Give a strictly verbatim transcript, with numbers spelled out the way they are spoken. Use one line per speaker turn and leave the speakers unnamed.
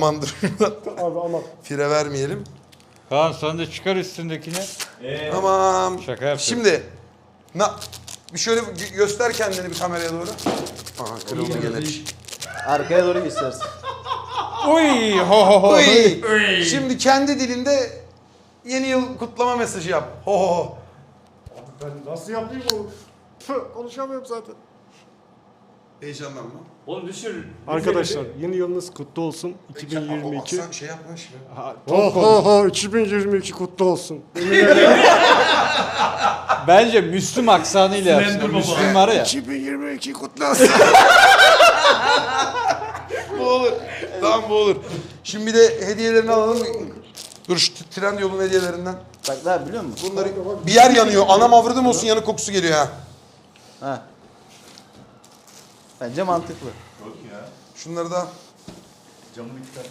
Düşmandır.
Abi ama.
Fire vermeyelim.
Kaan sen de çıkar üstündekini.
Ee,
Tamam.
Şaka yapıyorum.
Şimdi na, bir şöyle gö- göster kendini bir kameraya doğru. Aha kırıldı gene bir şey.
Arkaya doğru göstersin.
Uy ho ho ho.
Uy. Şimdi kendi dilinde yeni yıl kutlama mesajı yap. Ho ho ho.
Abi ben nasıl yapayım onu? Tüh, konuşamıyorum zaten.
Heyecanlanma.
Oğlum düşür.
Arkadaşlar yeni yılınız kutlu olsun. iki bin yirmi iki.
Sen şey yapma şimdi.
Ho ho ho iki bin yirmi iki kutlu olsun.
Bence Müslüm aksanıyla yapsın.
Slender
Müslüm var ya.
iki bin yirmi iki kutlu olsun.
Bu olur. Tamam bu olur. Şimdi bir de hediyelerini alalım. Dur şu tren yolun hediyelerinden.
Bak daha biliyor musun?
Bunları bir yer yanıyor. Anam avradım olsun yanık kokusu geliyor ha.
Ha. Bence mantıklı.
Yok ya.
Şunları da
Camını iki kat.